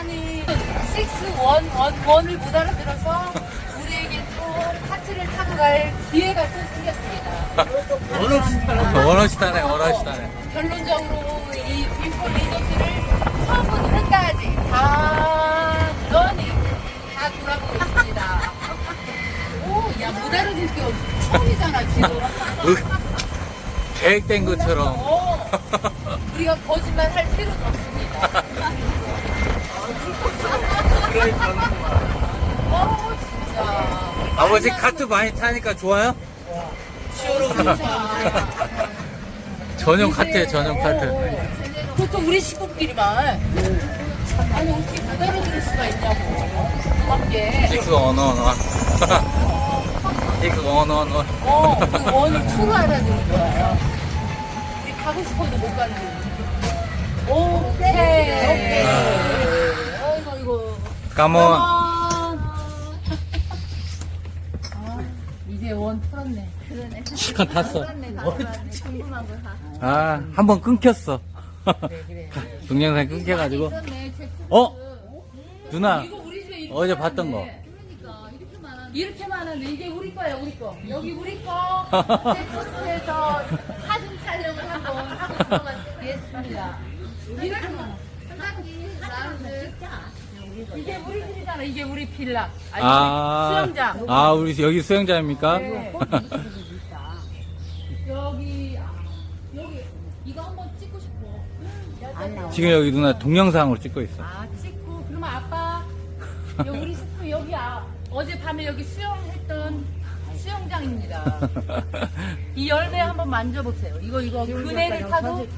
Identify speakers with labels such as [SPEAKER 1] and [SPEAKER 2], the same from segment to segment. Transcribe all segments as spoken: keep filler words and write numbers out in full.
[SPEAKER 1] 아니 육백십일을 못 알아들어서 우리에게 또 카트를 타고 갈 기회가 또 생겼습니다.
[SPEAKER 2] 원어시 타네, 원어시 타네.
[SPEAKER 1] 결론적으로 이 뷰포 리조트를 처음부터 끝까지 다 런닝 다 돌아보고 있습니다. 오, 야, 못 알아들 게 처음이잖아, 지금.
[SPEAKER 2] 계획된 것처럼.
[SPEAKER 1] 어, 우리가 거짓말 할 필요도 없습니다. 어, 진짜.
[SPEAKER 2] 아버지 카트 많이 타니까 좋아요? 전용 카트에 전용 카트.
[SPEAKER 1] 보통 우리 식구끼리만. 아니, 어떻게 못 알아들을 수가 있냐고. 함께.
[SPEAKER 2] 이그 언어 언어. 이그 언어 언어.
[SPEAKER 1] 어, 그 원을 투로 알아듣는 거야. 우리 가고 싶어도 못 가는 거야. 오케이. 오케이. 아이고, 아이고.
[SPEAKER 2] 까몬.
[SPEAKER 1] 아, 이제 원 풀었네.
[SPEAKER 3] 그러네.
[SPEAKER 2] 시간 탔어.
[SPEAKER 3] 그렇네, 다 그러네. 궁금한 거 다.
[SPEAKER 2] 아, 한 번 끊겼어.
[SPEAKER 1] 그래, 그래.
[SPEAKER 2] 동영상 끊겨가지고.
[SPEAKER 3] 있었네, 제
[SPEAKER 2] 어? 누나,
[SPEAKER 1] 이거 우리 집에 이렇게
[SPEAKER 2] 어제 봤던 거.
[SPEAKER 1] 많은데.
[SPEAKER 3] 그러니까 이렇게 많아.
[SPEAKER 1] 이렇게 많은데 이게 우리 거야, 우리 거. 여기 우리 거. 제코스에서 사진 촬영을 한번 하고 들어가겠습니다. 이렇게 많아.
[SPEAKER 3] 한가지 나를 찍자.
[SPEAKER 1] 이게 우리 집이잖아. 이게 우리 빌라. 아니,
[SPEAKER 2] 아,
[SPEAKER 1] 수영장.
[SPEAKER 2] 아, 우리 여기 수영장입니까?
[SPEAKER 1] 네. 여기, 아, 여기, 이거 한번 찍고 싶어.
[SPEAKER 2] 지금 여기 누나 동영상으로 찍고 있어.
[SPEAKER 1] 아, 찍고. 그러면 아빠, 여기 우리 식구 여기, 아, 어젯밤에 여기 수영했던 수영장입니다. 이 열매 한번 만져보세요. 이거, 이거, 그네를 타고.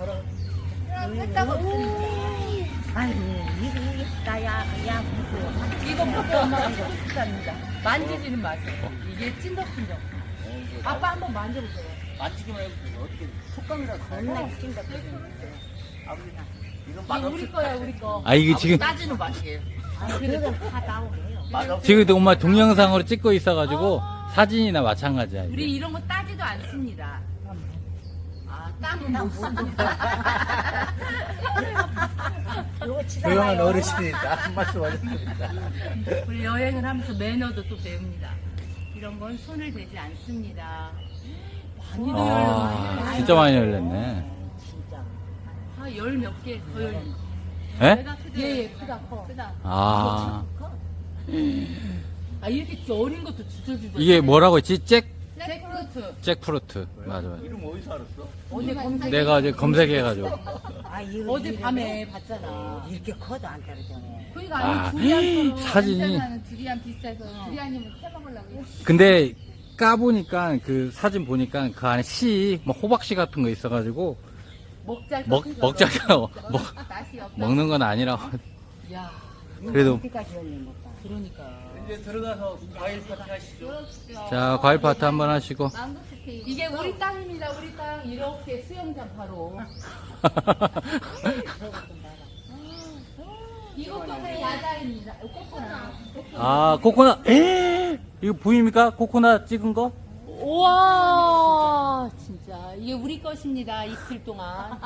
[SPEAKER 1] 했다고.
[SPEAKER 3] 아이고, 이거, 이거, 나, 야, 야, 무서워.
[SPEAKER 1] 이거 먹고 엄마가 찍고 싶답니다. 만지지는 마세요. 이게 찐덕찐덕. 아빠 한번 만져보세요.
[SPEAKER 4] 만지기만 해도 어떻게 촉감이라도
[SPEAKER 3] 겁나 웃긴 거.
[SPEAKER 4] 아버지가 이건
[SPEAKER 1] 이게 우리 거야, 우리 거.
[SPEAKER 2] 아, 이게 지금,
[SPEAKER 4] 따지는 맛이에요.
[SPEAKER 3] 아, 그래도 다 나오네요.
[SPEAKER 4] 맛없
[SPEAKER 2] 지금 엄마 동영상으로 찍고 있어가지고 사진이나 마찬가지야. 이게.
[SPEAKER 1] 우리 이런 거 따지도 않습니다. 아, 땀은 못 씁니다.
[SPEAKER 3] 이거
[SPEAKER 4] 조용한 어르신이다. 한 말씀 하셨습니다.
[SPEAKER 1] 우리 여행을 하면서 매너도 또 배웁니다. 이런 건 손을 대지 않습니다. 많이
[SPEAKER 2] 아,
[SPEAKER 1] 열렸네.
[SPEAKER 2] 진짜 많이 열렸네.
[SPEAKER 3] 진짜.
[SPEAKER 1] 아, 열 몇 개 더 열린 거.
[SPEAKER 2] 예?
[SPEAKER 1] 예, 예, 크다, 커. 크다.
[SPEAKER 2] 아,
[SPEAKER 1] 아, 이렇게 어린 것도 주저주저.
[SPEAKER 2] 이게 뭐라고 했지? 잭?
[SPEAKER 1] 잭프루트.
[SPEAKER 2] 잭프루트. 맞아, 맞아.
[SPEAKER 4] 이름 어디서 알았어?
[SPEAKER 1] 어제 검색.
[SPEAKER 2] 내가 이제 검색해가지고.
[SPEAKER 3] 아, 이거.
[SPEAKER 1] 어제 밤에 봤잖아.
[SPEAKER 3] 이렇게 커도 안 떨어지네.
[SPEAKER 1] 그러니까
[SPEAKER 2] 아,
[SPEAKER 1] 아니 두리안처럼
[SPEAKER 2] 사진이.
[SPEAKER 1] 냄새나는 두리안 비슷해서 두리안님을 해먹으려고.
[SPEAKER 2] 근데 까보니까 그 사진 보니까 그 안에 씨, 뭐 호박씨 같은 거 있어가지고
[SPEAKER 1] 먹잘
[SPEAKER 2] 먹, 먹자가, 먹,
[SPEAKER 1] 맛이 없다.
[SPEAKER 2] 먹는 건 아니라고.
[SPEAKER 1] 야,
[SPEAKER 2] 그래도.
[SPEAKER 3] 어디까지 열린 것다.
[SPEAKER 1] 그러니까.
[SPEAKER 4] 이제 들어가서 과일 파티 하시죠.
[SPEAKER 2] 자, 과일 파트 한번 하시고.
[SPEAKER 1] 이게 우리 땅입니다. 우리 땅 이렇게 수영장 바로. 이것도 내 야자입니다. 코코넛.
[SPEAKER 2] 아, 코코넛. 에 이거 보입니까? 코코넛 찍은 거?
[SPEAKER 1] 우와, 진짜 이게 우리 것입니다. 이틀 동안.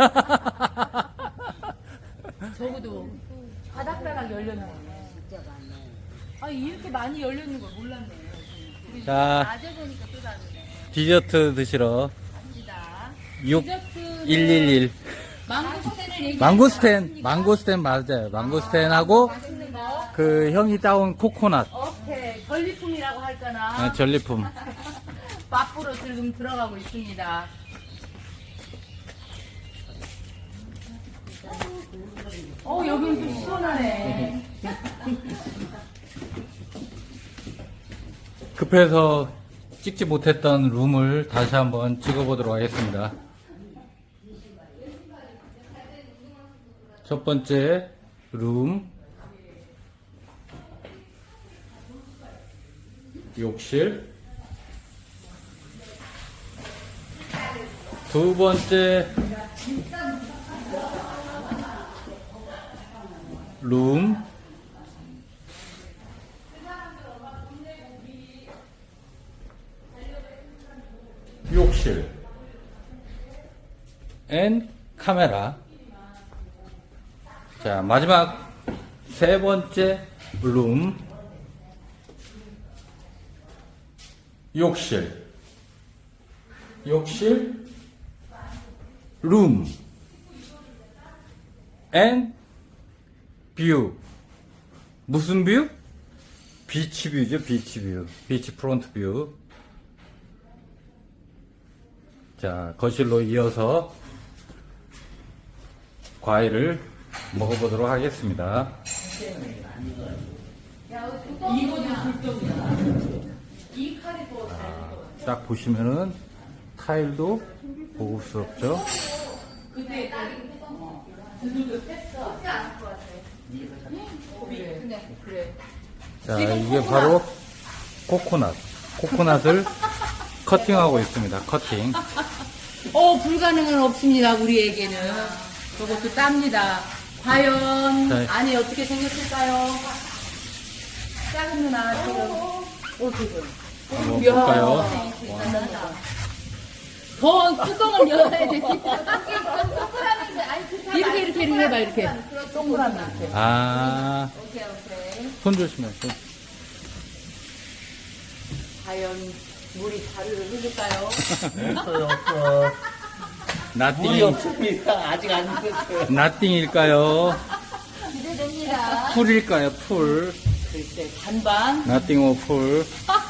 [SPEAKER 1] 적어도 바닥바닥 열렸네.
[SPEAKER 3] 진짜 많네.
[SPEAKER 1] 아, 이렇게 많이 열렸는 걸 몰랐네. 우리
[SPEAKER 2] 자,
[SPEAKER 1] 낮에 보니까 또 다르네.
[SPEAKER 2] 디저트 드시러.
[SPEAKER 1] 갑니다.
[SPEAKER 2] 육
[SPEAKER 1] 디저트는
[SPEAKER 2] 일일일.
[SPEAKER 1] 망고스텐을 얘기.
[SPEAKER 2] 망고스텐, 망고스텐 맞아요. 망고스텐하고
[SPEAKER 1] 맛있는 거.
[SPEAKER 2] 그 형이 따온 코코넛.
[SPEAKER 1] 오케이. 전리품이라고 할까나.
[SPEAKER 2] 아, 전리품.
[SPEAKER 1] 맛보러 지금 들어가고 있습니다. 어, 여긴 좀 시원하네.
[SPEAKER 2] 급해서 찍지 못했던 룸을 다시 한번 찍어보도록 하겠습니다. 첫 번째 룸, 욕실. 두 번째 룸, 욕실 앤 카메라. 자, 마지막 세 번째 룸, 욕실, 욕실, 룸, 앤 뷰. 무슨 뷰? 비치 뷰죠, 비치 뷰. 비치 프론트 뷰. 자, 거실로 이어서 과일을 먹어보도록 하겠습니다.
[SPEAKER 1] 이거는 불똥이야. 이 칼이 더 잘.
[SPEAKER 2] 딱 보시면은 타일도 고급스럽죠.
[SPEAKER 1] 근데 그들도 뺐어. 그렇지 않을 것 같아. 그래. 근데 그래.
[SPEAKER 2] 자,
[SPEAKER 1] 지금
[SPEAKER 2] 이게
[SPEAKER 1] 코코넛.
[SPEAKER 2] 바로 코코넛. 코코넛을 커팅하고 있습니다. 커팅.
[SPEAKER 1] 어, 불가능은 없습니다, 우리에게는. 저것도 땁니다. 과연
[SPEAKER 2] 네.
[SPEAKER 1] 안에 어떻게 생겼을까요? 작은 누나, 지금. 어, 지금.
[SPEAKER 2] 한번
[SPEAKER 1] 이야.
[SPEAKER 2] 볼까요?
[SPEAKER 1] 더 뚜껑을 열어야 돼. 이렇게, 이렇게, 이렇게 해봐, 이렇게. 동그랗게. 이렇게.
[SPEAKER 2] 아,
[SPEAKER 1] 오케이, 오케이.
[SPEAKER 2] 손 조심해. 손.
[SPEAKER 1] 과연 물이 자루를 흐를까요?
[SPEAKER 4] 없어요, 없어. 물이
[SPEAKER 2] 나띵,
[SPEAKER 4] 없습니다. 아직 안 익었어요.
[SPEAKER 2] 나띵일까요?
[SPEAKER 1] 기대됩니다.
[SPEAKER 2] 풀일까요? 풀.
[SPEAKER 1] 글쎄, 반반.
[SPEAKER 2] 나띵 오 풀.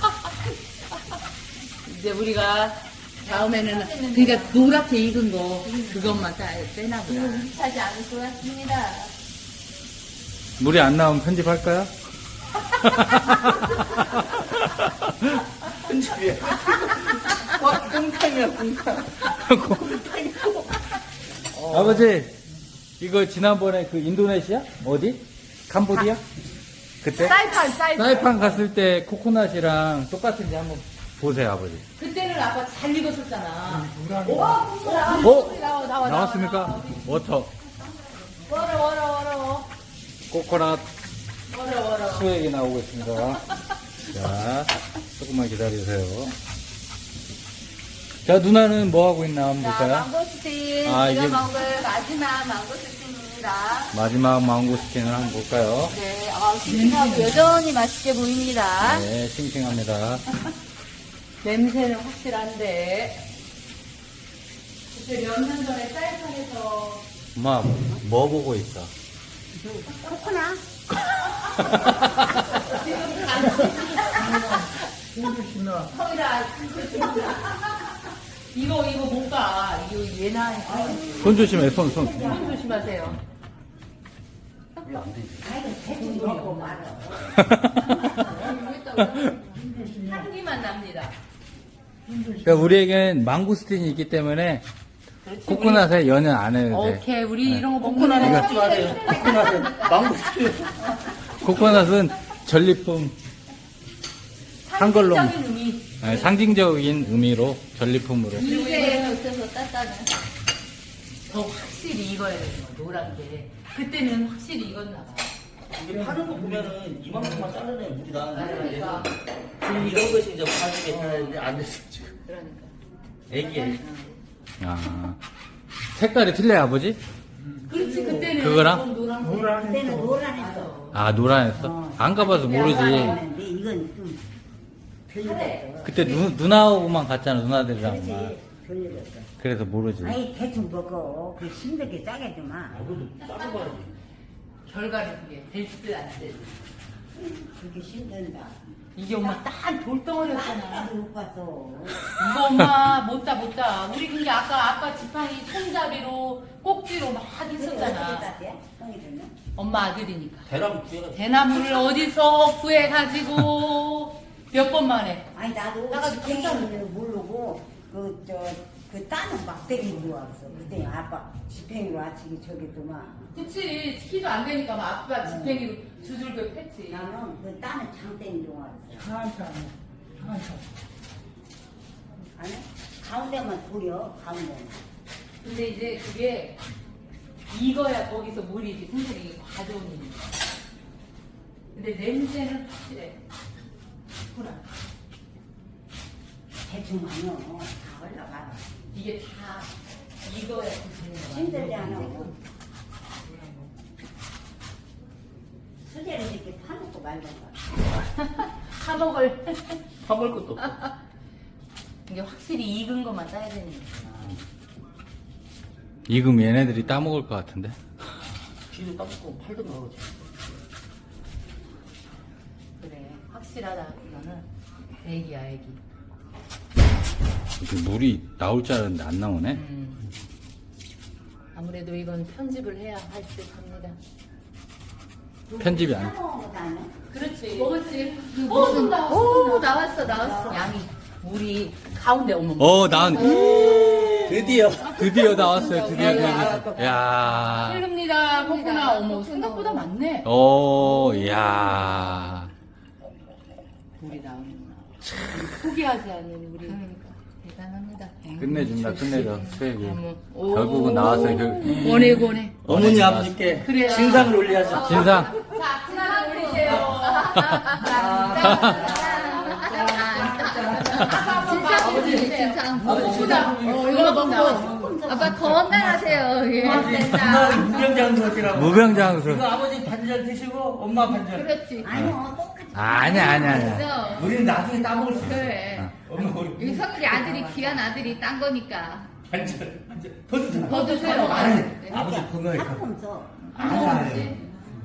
[SPEAKER 1] 이제 우리가 다음에는, 그러니까 노랗게 익은 거, 그것만 따, 빼나 보다.
[SPEAKER 3] 하지 않을 것 같습니다.
[SPEAKER 2] 물이 안 나오면 편집할까요?
[SPEAKER 4] 편집이야. 와, 꽁탕이야, 꽁탕.
[SPEAKER 2] 아버지, 이거 지난번에 그 인도네시아? 어디? 캄보디아? 그때?
[SPEAKER 1] 사이판, 사이판.
[SPEAKER 2] 사이판 갔을 때 코코넛이랑 똑같은지 한번 보세요, 아버지.
[SPEAKER 1] 그때는 아빠 잘 익었었잖아.
[SPEAKER 2] 어?
[SPEAKER 1] 나와, 나와,
[SPEAKER 2] 나왔습니까? 워터.
[SPEAKER 1] 워러, 워러, 워러.
[SPEAKER 2] 코코넛
[SPEAKER 1] 워러, 워러.
[SPEAKER 2] 수액이 나오고 있습니다. 자, 조금만 기다리세요. 자, 누나는 뭐 하고 있나 한번
[SPEAKER 3] 자,
[SPEAKER 2] 볼까요?
[SPEAKER 3] 망고스틴.
[SPEAKER 2] 아,
[SPEAKER 3] 제가
[SPEAKER 2] 이게-
[SPEAKER 3] 먹을 마지막 망고스틴입니다.
[SPEAKER 2] 마지막 망고스틴을 한번 볼까요?
[SPEAKER 3] 네, 아, 싱싱하고 여전히 맛있게 보입니다.
[SPEAKER 2] 네, 싱싱합니다.
[SPEAKER 1] 냄새는 확실한데. 그때 몇 년 전에 사이판에서
[SPEAKER 2] 엄마, 뭐 보고 있어?
[SPEAKER 3] 코코넛.
[SPEAKER 1] 형이라 이거 이거 못 가. 이거 얘나
[SPEAKER 2] 손 조심해, 손, 손.
[SPEAKER 1] 손 조심하세요. 향기만 납니다.
[SPEAKER 2] 그러니까 우리에겐 망고스틴이 있기 때문에 코코넛에 연연 안 해도 돼.
[SPEAKER 1] 오케이, 우리 이런 거 먹고
[SPEAKER 4] 코코넛은
[SPEAKER 1] 나면
[SPEAKER 4] 하지 마세요. 코코넛은 망고스틴.
[SPEAKER 2] 코코넛은 전리품 한 걸로
[SPEAKER 1] 상징적인 의미.
[SPEAKER 2] 네, 상징적인 의미로 전리품으로.
[SPEAKER 3] 이게 없어서 따따는.
[SPEAKER 1] 더 확실히 익어야 되는 거, 노란 게. 그때는 확실히 익었나 봐.
[SPEAKER 4] 이게 파는 거 보면은 이만큼만 자르면 물이 나는데
[SPEAKER 1] 그러니까.
[SPEAKER 4] 이런 것이 이제 파는 게 되는데 안 됐어 지금.
[SPEAKER 1] 그러니까.
[SPEAKER 4] 애기야.
[SPEAKER 2] 아, 색깔이 틀려요, 아버지?
[SPEAKER 1] 그렇지, 그때는.
[SPEAKER 2] 그거랑?
[SPEAKER 1] 노란 노란
[SPEAKER 5] 그때는 노란했어.
[SPEAKER 2] 아, 노란했어? 안 가봐서 모르지.
[SPEAKER 5] 근데 이건 좀 별로였어.
[SPEAKER 2] 그때 누, 누나하고만 갔잖아, 누나들이랑만.
[SPEAKER 5] 그렇지, 별로였어.
[SPEAKER 2] 그래서 모르지.
[SPEAKER 5] 아이 대충 먹어. 그 힘들게 짜게 좀 마.
[SPEAKER 4] 아무도 짜고
[SPEAKER 1] 결과는 그게 될지 안 될지.
[SPEAKER 5] 그게 힘든다.
[SPEAKER 1] 이게 엄마 딱 돌덩어리였잖아.
[SPEAKER 5] 나도 못 봤어.
[SPEAKER 1] 이거 엄마 못다 못다. 우리 근데 아까 아까 지팡이 손잡이로 꼭지로 막
[SPEAKER 5] 어떻게
[SPEAKER 1] 했었잖아.
[SPEAKER 5] 따대? 형이 됐네.
[SPEAKER 1] 엄마 아들이니까.
[SPEAKER 4] 대나무 구해가
[SPEAKER 1] 대나무를 어디서 구해가지고 몇 번 만에.
[SPEAKER 5] 아니 나도
[SPEAKER 1] 나가지고
[SPEAKER 5] 집행을 모르고 그 저 그 따는 막대기 들어왔어. 그때 아빠 집행으로 아치기 저기 도만.
[SPEAKER 1] 그치 키도 안 되니까 막 아빠 지팡이로 두들겨 팼지.
[SPEAKER 5] 나는 그 따는 장땡이 들어왔어. 아니 가운데만 돌려 가운데.
[SPEAKER 1] 근데 이제 그게 익어야 거기서 물이지 선생님이 가져온 일이니까. 근데 냄새는 확실해. 구나.
[SPEAKER 5] 대충 하면 다 올라가.
[SPEAKER 1] 이게 다 익어야 되는 거야.
[SPEAKER 5] 힘들지 않아. 수제를 이렇게 파놓고 말던가.
[SPEAKER 1] 사먹을.
[SPEAKER 4] 파볼 것도 없어.
[SPEAKER 1] 이게 확실히 익은 것만 따야 되니까.
[SPEAKER 2] 익으면 얘네들이 따먹을 것 같은데.
[SPEAKER 4] 쥐도 따먹고 팔던가 그러지.
[SPEAKER 1] 그래, 확실하다. 이거는 애기야, 애기.
[SPEAKER 2] 이렇게 물이 나올 줄 알았는데 안 나오네.
[SPEAKER 1] 음. 아무래도 이건 편집을 해야 할 듯 합니다.
[SPEAKER 2] 편집이 안.
[SPEAKER 5] 사먹은 거 다네.
[SPEAKER 1] 그렇지. 먹었지. 오, 좀 나왔어. 오, 나왔어, 나왔어. 양이, 물이 가운데 오면.
[SPEAKER 2] 어, 난
[SPEAKER 4] 드디어.
[SPEAKER 2] 드디어 나왔어요. 드디어 드디어. 야.
[SPEAKER 1] 흘릅니다. 코코나. 어머, 생각보다 많네.
[SPEAKER 2] 오, 야.
[SPEAKER 1] 물이 나오는구나. 포기하지 않는 우리. 그러니까. 대단합니다.
[SPEAKER 2] 끝내준다, 끝내줘. 수액이.
[SPEAKER 1] 오.
[SPEAKER 2] 결국은 나왔어요. 그
[SPEAKER 1] 원해, 원해.
[SPEAKER 4] 어머니 아버지께
[SPEAKER 1] 그래요.
[SPEAKER 4] 신상을 올려야죠.
[SPEAKER 2] 진상.
[SPEAKER 1] 자, 하나 올리세요.
[SPEAKER 6] 진상이지, 진상.
[SPEAKER 1] 먹보다. 어, 이거 먹고.
[SPEAKER 6] 아빠 건강하세요. 예.
[SPEAKER 4] 정말 무병장수라고.
[SPEAKER 2] 무병장수.
[SPEAKER 4] 이거 아버지 반절 드시고 엄마 반절.
[SPEAKER 6] 그렇지.
[SPEAKER 5] 아니요, 똑같이.
[SPEAKER 2] 아니야, 아니야, 아니야.
[SPEAKER 6] 그래서
[SPEAKER 4] 우리는 나중에 따먹을 수 있어.
[SPEAKER 6] 그래.
[SPEAKER 4] 엄마 우리
[SPEAKER 6] 여기 성일이 아들이 귀한 아들이 딴 거니까.
[SPEAKER 4] 반절. 반절. 더 드세요.
[SPEAKER 6] 더 드세요.
[SPEAKER 4] 아니,
[SPEAKER 6] 네.
[SPEAKER 4] 아버지 건강해.
[SPEAKER 5] 조금 더.
[SPEAKER 4] 아니, 아니.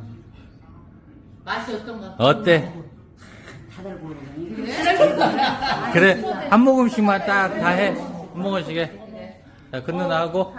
[SPEAKER 1] 맛이 어떤가?
[SPEAKER 2] 어때?
[SPEAKER 5] 다들 고르더니.
[SPEAKER 2] 그래, 한 모금씩만 딱 다 해. 한 모금씩에. 자, 그 누나하고.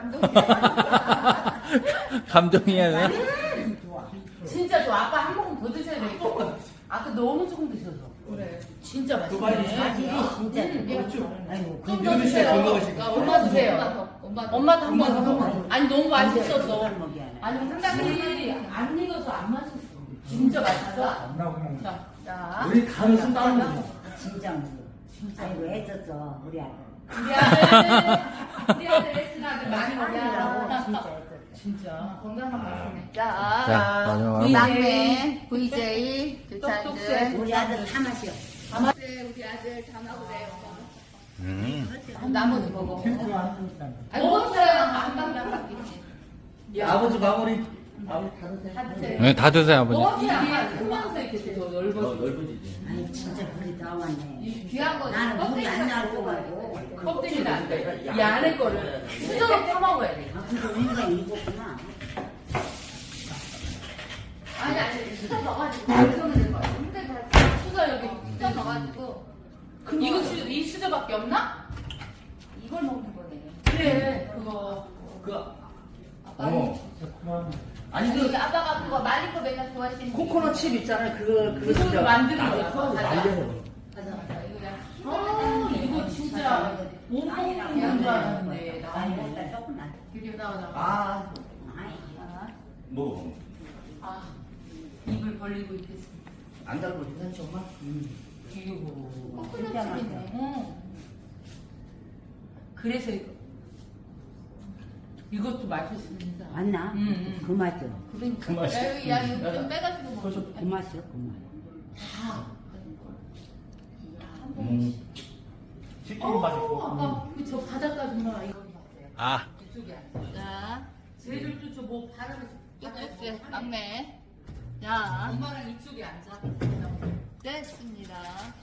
[SPEAKER 2] 감동이야, 누나.
[SPEAKER 1] 진짜 좋아. 아빠 한 모금 더 드셔야 되겠다. 아까 너무 조금 드셔서. 그래. 진짜 맛있네.
[SPEAKER 5] 맛이 진짜. 아이고,
[SPEAKER 1] 좀 더 드세요.
[SPEAKER 4] 건강하시고.
[SPEAKER 1] 아, 엄마 드세요.
[SPEAKER 6] 엄마.
[SPEAKER 1] 엄마도 한 번 더. 아니, 너무 맛있었어.
[SPEAKER 5] 먹이야.
[SPEAKER 1] 아니, 상당히 안 익어서 안 맛있어. 진짜 맛있어. 자, 자.
[SPEAKER 4] 우리 가면서 따먹는 거.
[SPEAKER 5] 진짜 먹어. 아이고, 애썼어, 우리 아들.
[SPEAKER 1] 우리 아들, 우리 아들 레슨 아들 많이
[SPEAKER 5] 아들이라고
[SPEAKER 1] 먹냐.
[SPEAKER 5] 진짜 애썼어.
[SPEAKER 1] 진짜.
[SPEAKER 6] 건강한 맛이네.
[SPEAKER 2] 자,
[SPEAKER 6] 자,
[SPEAKER 2] 마지막.
[SPEAKER 6] 막내, 브이제이,
[SPEAKER 1] 똑똑새.
[SPEAKER 6] 교차들.
[SPEAKER 5] 우리 아들 다 마셔.
[SPEAKER 6] 우리 아들 다 먹으래요.
[SPEAKER 2] 음.
[SPEAKER 6] 나머지 먹어. 아니,
[SPEAKER 1] 먹었어요.
[SPEAKER 6] 먹었어요. 한방당 바뀌지.
[SPEAKER 4] 아버지 마무리. 아버지 다 드세요.
[SPEAKER 1] 다 드세요.
[SPEAKER 2] 네, 다 드세요, 아버지.
[SPEAKER 1] 먹었어요. 이게 크면서 이렇게 더
[SPEAKER 4] 어,
[SPEAKER 1] 넓어지고.
[SPEAKER 4] 넓어지지.
[SPEAKER 5] 아니, 진짜 물이 다 왔네.
[SPEAKER 6] 귀한 거.
[SPEAKER 5] 나는 물이 안 나올 거 같고.
[SPEAKER 1] 껍데기는 안 돼. 이 안에 거를 수저로 파먹어야 돼.
[SPEAKER 5] 아, 근데 우리가 익었구나.
[SPEAKER 6] 아니, 아니, 수저 넣어가지고. 그러면 될 거야. 근데 다
[SPEAKER 1] 수저 여기.
[SPEAKER 6] 수저 넣어가지고.
[SPEAKER 1] 이거 수, 이 수저밖에 없나?
[SPEAKER 6] 이걸 먹는 거네.
[SPEAKER 1] 그래. 그거.
[SPEAKER 4] 그,
[SPEAKER 6] 아빠.
[SPEAKER 4] 어. 아니,
[SPEAKER 6] 아니,
[SPEAKER 4] 그,
[SPEAKER 6] 아빠가 그거 말린 거 맨날 좋아하시는
[SPEAKER 4] 코코넛 칩 있잖아요. 그거, 그거
[SPEAKER 1] 그걸로
[SPEAKER 4] 진짜.
[SPEAKER 1] 만드는
[SPEAKER 4] 나도
[SPEAKER 1] 거야.
[SPEAKER 4] 커서
[SPEAKER 1] 맞아.
[SPEAKER 4] 말려서 먹어.
[SPEAKER 6] 맞아, 맞아. 이거 그냥.
[SPEAKER 1] 아, 이거 진짜 못 먹는 줄 알았는데.
[SPEAKER 5] 아니,
[SPEAKER 1] 나는.
[SPEAKER 5] 일단 조금만.
[SPEAKER 1] 이렇게 나오나 봐.
[SPEAKER 4] 아,
[SPEAKER 5] 아이,
[SPEAKER 4] 먹어.
[SPEAKER 1] 아, 입을 벌리고 있겠습니다.
[SPEAKER 4] 안 달고 괜찮지, 엄마?
[SPEAKER 1] 이거.
[SPEAKER 5] 진짜
[SPEAKER 6] 코코넛 칩이네.
[SPEAKER 5] 맛있어.
[SPEAKER 1] 어. 그래서 이거. 이것도 맛있습니다.
[SPEAKER 5] 맞나?
[SPEAKER 1] 음, 음.
[SPEAKER 5] 그 맛이요.
[SPEAKER 6] 그러니까.
[SPEAKER 4] 그 맛이야.
[SPEAKER 6] 야, 이거, 야, 이거 좀 빼가지고 먹어.
[SPEAKER 5] 그 맛이요, 그 맛.
[SPEAKER 1] 다.
[SPEAKER 4] 음. 치킨 맛있고.
[SPEAKER 1] 아빠, 그저 바닷가 좀 봐. 이거 봤어요.
[SPEAKER 2] 아,
[SPEAKER 1] 이쪽이 아니야.
[SPEAKER 6] 자,
[SPEAKER 1] 쟤들도 저뭐 바람에
[SPEAKER 6] 똑똑새, 막내. 자,
[SPEAKER 1] 엄마랑 이쪽에 앉아.
[SPEAKER 6] 됐습니다.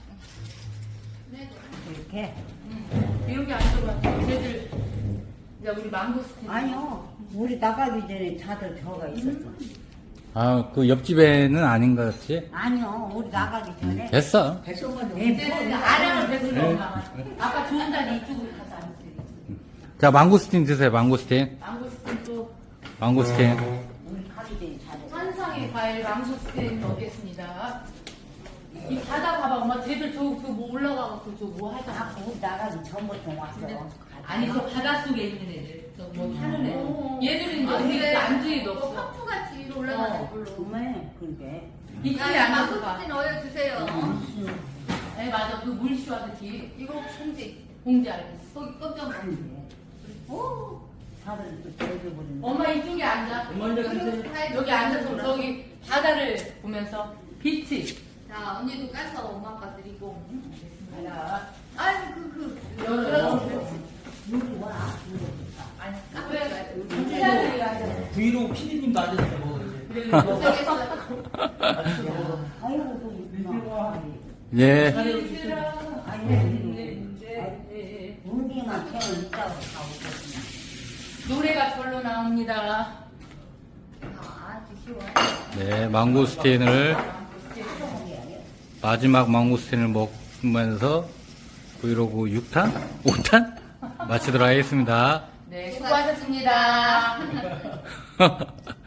[SPEAKER 6] 네,
[SPEAKER 5] 이렇게.
[SPEAKER 1] 이렇게 앉아봐. 쟤들 이제 우리 망고스틴.
[SPEAKER 5] 아니요. 우리 나가기 전에 다들 들어가 있었어.
[SPEAKER 2] 아, 그 옆집에는 아닌 것 같지?
[SPEAKER 5] 아니요. 우리 나가기 전에.
[SPEAKER 2] 됐어.
[SPEAKER 5] 네,
[SPEAKER 1] 쟤는 아량을 배불러 엄마. 아빠 좋은 자리 이쪽으로 가서 앉으세요.
[SPEAKER 2] 자, 망고스틴 드세요, 망고스틴.
[SPEAKER 1] 망고스틴 또
[SPEAKER 2] 망고스틴.
[SPEAKER 5] 우리 가기 전에 다들.
[SPEAKER 1] 환상의 과일 망고스틴 먹겠습니다. 이 바다 봐봐 엄마. 쟤들 저뭐 올라가고 저 뭐
[SPEAKER 5] 아,
[SPEAKER 1] 하잖아.
[SPEAKER 5] 우리 나가기 전부터 왔어.
[SPEAKER 1] 아니 저 바다 속에 있는 애들. 저 뭐 타는
[SPEAKER 6] 오.
[SPEAKER 1] 애들. 얘들은 이제
[SPEAKER 6] 아,
[SPEAKER 1] 어디
[SPEAKER 6] 그래.
[SPEAKER 1] 안주에도 없어.
[SPEAKER 6] 펌프같이 위로 올라가는
[SPEAKER 1] 어.
[SPEAKER 6] 걸로.
[SPEAKER 5] 정말 그게.
[SPEAKER 1] 이쪽에
[SPEAKER 6] 자,
[SPEAKER 1] 앉아서 봐.
[SPEAKER 6] 망고스틴 넣어 주세요.
[SPEAKER 1] 네 맞아. 그 물시와듯이
[SPEAKER 6] 이거 봉지.
[SPEAKER 1] 봉지 알겠어.
[SPEAKER 6] 거기 깜짝 놀랐어.
[SPEAKER 5] 아닌데.
[SPEAKER 1] 오.
[SPEAKER 5] 다들 또 대줘버리는.
[SPEAKER 1] 엄마 이쪽에 앉아.
[SPEAKER 4] 엄마 이제 드세요.
[SPEAKER 1] 여기 앉아서 저기 바다를 보면서 빛이.
[SPEAKER 6] 자, 언니도 까서 엄마 아빠 드리고.
[SPEAKER 1] 자,
[SPEAKER 6] 아니, 그, 그.
[SPEAKER 1] 열어.
[SPEAKER 5] 누구 와?
[SPEAKER 1] 아니,
[SPEAKER 6] 까불어야 돼.
[SPEAKER 1] 그래.
[SPEAKER 4] 브이로그 피디님도 앉아서 먹어, 이제.
[SPEAKER 5] 아이고 좀
[SPEAKER 2] 예.
[SPEAKER 5] 운기만 채워 있다고 가고
[SPEAKER 1] 노래가 절로 나옵니다.
[SPEAKER 2] 네, 망고스틴을 마지막 망고스틴을 먹으면서 브이로그 육 탄? 오 탄? 마치도록 하겠습니다.
[SPEAKER 1] 네, 수고하셨습니다.